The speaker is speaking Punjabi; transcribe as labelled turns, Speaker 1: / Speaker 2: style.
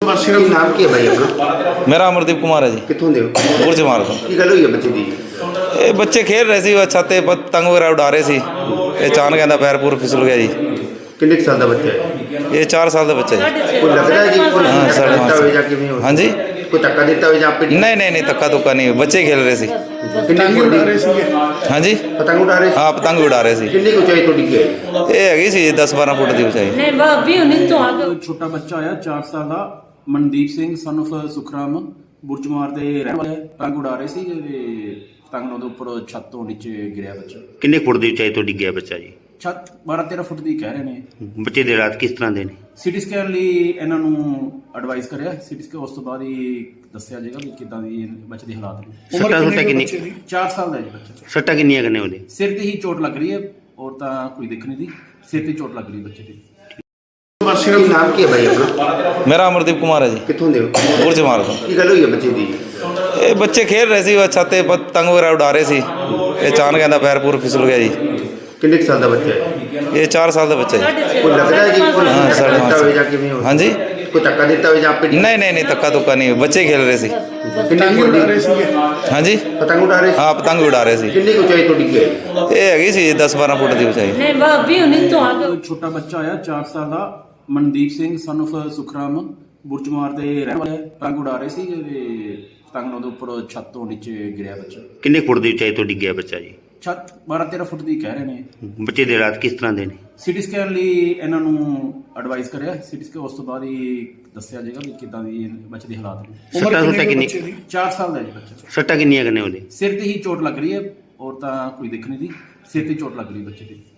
Speaker 1: ਵਾਸੀ ਦਾ ਨਾਮ ਕੀ ਹੈ ਭਾਈ ਆਪਣਾ?
Speaker 2: मेरा अमरदीप कुमार है जी।
Speaker 1: ਕਿੱਥੋਂ ਦੇ ਹੋ?
Speaker 2: बुर्ज मार तो
Speaker 1: ਕੀ ਗੱਲ ਹੋਈ ਹੈ ਬੱਚੇ ਦੀ?
Speaker 2: ये बच्चे खेल रहे सी छत ते पतंग वगैरह उड़ा रहे सी। ये अचानक कहता पैर पूर फिसल गया जी।
Speaker 1: ਕਿੰਨੇ ਕੁ ਸਾਲ ਦਾ ਬੱਚਾ ਹੈ?
Speaker 2: ये 4 साल का बच्चा है।
Speaker 1: ਕੋਈ ਲੱਗਦਾ ਹੈ ਜੀ ਕੋਈ
Speaker 2: हाँ,
Speaker 1: ਧੱਕਾ
Speaker 2: साढ़े
Speaker 1: ਦਿੱਤਾ
Speaker 2: पाँच
Speaker 1: ਹੋਵੇ ਜਾਂ ਕਿਵੇਂ ਹੋਇਆ?
Speaker 2: हाँ जी।
Speaker 1: ਕੋਈ ਧੱਕਾ ਦਿੱਤਾ ਹੋਵੇ ਜਾਂ ਆਪੇ
Speaker 2: नहीं तक्का तुक्का नहीं, बच्चे खेल रहे सी।
Speaker 1: ਪਤੰਗ ਉਡਾ ਰਹੇ ਸੀ?
Speaker 2: हाँ जी।
Speaker 1: ਪਤੰਗ ਉਡਾ ਰਹੇ ਸੀ?
Speaker 2: हाँ पतंग उड़ा रहे सी।
Speaker 1: ਕਿੰਨੀ ਕੁ ਉਚਾਈ ਤੋਂ ਡਿੱਗੇ?
Speaker 2: ये हैगी सी 10-12 फुट की ऊंचाई।
Speaker 3: नहीं भाभी उन्हें तो आगे
Speaker 4: ਛੋਟਾ ਬੱਚਾ ਆਇਆ 4 ਸਾਲ ਦਾ ਮਨਦੀਪ ਸਿੰਘ son of ਸੁਖਰਾਮ ਬੁਰਜਮਾਰ ਦੇ ਰਹਿਣ ਵਾਲਾ ਹੈ। ਪਤੰਗ ਉਡਾ ਰਹੇ ਸੀ ਤੇ ਪਤੰਗ ਉਹਦੇ ਉੱਪਰ ਛੱਤ ਤੋਂ ਨੀਚੇ ਗਿਰਿਆ ਬੱਚਾ।
Speaker 5: ਕਿੰਨੇ ਫੁੱਟ ਦੀ ਉਚਾਈ ਤੋਂ ਡਿੱਗਿਆ ਬੱਚਾ ਜੀ?
Speaker 4: ਛੱਤ 12-13 ਫੁੱਟ ਦੀ ਕਹਿ ਰਹੇ ਨੇ।
Speaker 5: ਬੱਚੇ ਦੇ ਹਾਲਾਤ ਕਿਸ ਤਰ੍ਹਾਂ ਦੇ ਨੇ?
Speaker 4: ਸਿਟੀ ਸਕੈਨ ਲਈ ਇਹਨਾਂ ਨੂੰ ਐਡਵਾਈਸ ਕਰਿਆ। ਸਿਟੀ ਸਕੈਨ ਉਸ ਤੋਂ ਬਾਅਦ ਹੀ ਦੱਸਿਆ ਜਾਏਗਾ ਵੀ ਕਿੱਦਾਂ ਦੀ ਬੱਚੇ ਦੇ ਹਾਲਾਤ ਨੇ।
Speaker 5: ਸੱਟਾਂ ਸੁੱਟਾਂ ਕਿੰਨੀ
Speaker 4: 4 ਸਾਲ ਦਾ ਹੈ ਜੀ ਬੱਚਾ।
Speaker 5: ਸੱਟਾਂ ਕਿੰਨੀਆਂ ਕਰਨੇ ਉਹਦੇ?
Speaker 4: ਸਿਰ ਤੇ ਹੀ ਚੋਟ ਲੱਗ ਰਹੀ ਹੈ, ਔਰ ਤਾਂ ਕੋਈ ਦਿੱਖ ਨਹੀਂ ਦੀ। ਸਿਰ ਤੇ ਚੋਟ ਲੱਗ ਰਹੀ ਹੈ ਬੱਚੇ ਦੀ।
Speaker 1: ਵਾਸੀ ਦਾ ਨਾਮ ਕੀ ਹੈ ਭਾਈ ਆਪਣਾ?
Speaker 2: मेरा अमरदीप कुमार है जी।
Speaker 1: ਕਿੱਥੋਂ ਦੇ ਹੋ?
Speaker 2: बुर्ज मार तो
Speaker 1: ਕੀ ਗੱਲ ਹੋਈ ਹੈ ਬੱਚੇ ਦੀ?
Speaker 2: ये बच्चे खेल रहे सी छत ते पतंग वगैरह उड़ा रहे सी। ये अचानक कहता पैर पूर फिसल गया जी।
Speaker 1: ਕਿੰਨੇ ਕੁ ਸਾਲ ਦਾ ਬੱਚਾ ਹੈ?
Speaker 2: ये 4 साल का बच्चा है।
Speaker 1: ਕੋਈ ਲੱਗਦਾ ਹੈ ਜੀ ਕੋਈ
Speaker 2: हाँ,
Speaker 1: ਧੱਕਾ
Speaker 2: साढ़े
Speaker 1: ਦਿੱਤਾ
Speaker 2: पाँच
Speaker 1: ਹੋਵੇ ਜਾਂ ਕਿਵੇਂ ਹੋਇਆ?
Speaker 2: हाँ जी।
Speaker 1: ਕੋਈ ਧੱਕਾ ਦਿੱਤਾ ਹੋਵੇ ਜਾਂ ਆਪੇ
Speaker 2: नहीं तक्का तुक्का नहीं, बच्चे खेल रहे सी।
Speaker 1: ਕਿੰਨੀ ਕੁ ਉਡਾ ਰਹੇ ਸੀ?
Speaker 2: हाँ जी।
Speaker 1: ਪਤੰਗ ਉਡਾ ਰਹੇ ਸੀ?
Speaker 2: हाँ पतंग उड़ा रहे सी।
Speaker 1: ਕਿੰਨੀ ਕੁ ਉਚਾਈ ਤੋਂ ਡਿੱਗੇ?
Speaker 2: ये हैगी सी 10-12 फुट की ऊंचाई।
Speaker 3: नहीं भाभी उन्हें तो आगे
Speaker 4: ਛੋਟਾ ਬੱਚਾ ਆਇਆ 4 ਸਾਲ ਦਾ ਮਨਦੀਪ ਸਿੰਘ son of ਸੁਖਰਾਮ ਬੁਰਜਮਾਰ ਦੇ ਰਹਿਣ ਵਾਲਾ ਹੈ। ਪਤੰਗ ਉਡਾ ਰਹੇ ਸੀ ਤੇ ਪਤੰਗ ਉਹਦੇ ਉੱਪਰ ਛੱਤ ਤੋਂ ਨੀਚੇ ਗਿਰਿਆ ਬੱਚਾ।
Speaker 5: ਕਿੰਨੇ ਫੁੱਟ ਦੀ ਉਚਾਈ ਤੋਂ ਡਿੱਗਿਆ ਬੱਚਾ ਜੀ?
Speaker 4: ਛੱਤ 12-13 ਫੁੱਟ ਦੀ ਕਹਿ ਰਹੇ ਨੇ।
Speaker 5: ਬੱਚੇ ਦੇ ਹਾਲਾਤ ਕਿਸ ਤਰ੍ਹਾਂ ਦੇ ਨੇ?
Speaker 4: ਸਿਟੀ ਸਕੈਨ ਲਈ ਇਹਨਾਂ ਨੂੰ ਐਡਵਾਈਸ ਕਰਿਆ। ਸਿਟੀ ਸਕੈਨ ਉਸ ਤੋਂ ਬਾਅਦ ਹੀ ਦੱਸਿਆ ਜਾਏਗਾ ਵੀ ਕਿੱਦਾਂ ਦੀ ਬੱਚੇ ਦੇ ਹਾਲਾਤ ਨੇ।
Speaker 5: ਸੱਟਾਂ ਸੁੱਟਾਂ ਕਿੰਨੀ
Speaker 4: 4 ਸਾਲ ਦਾ ਹੈ ਜੀ ਬੱਚਾ।
Speaker 5: ਸੱਟਾਂ ਕਿੰਨੀਆਂ ਕਰਨੇ ਉਹਦੇ?
Speaker 4: ਸਿਰ ਤੇ ਹੀ ਚੋਟ ਲੱਗ ਰਹੀ ਹੈ, ਔਰ ਤਾਂ ਕੋਈ ਦਿੱਖ ਨਹੀਂ ਦੀ। ਸਿਰ ਤੇ ਚੋਟ ਲੱਗ ਰਹੀ ਹੈ ਬੱਚੇ ਦੀ।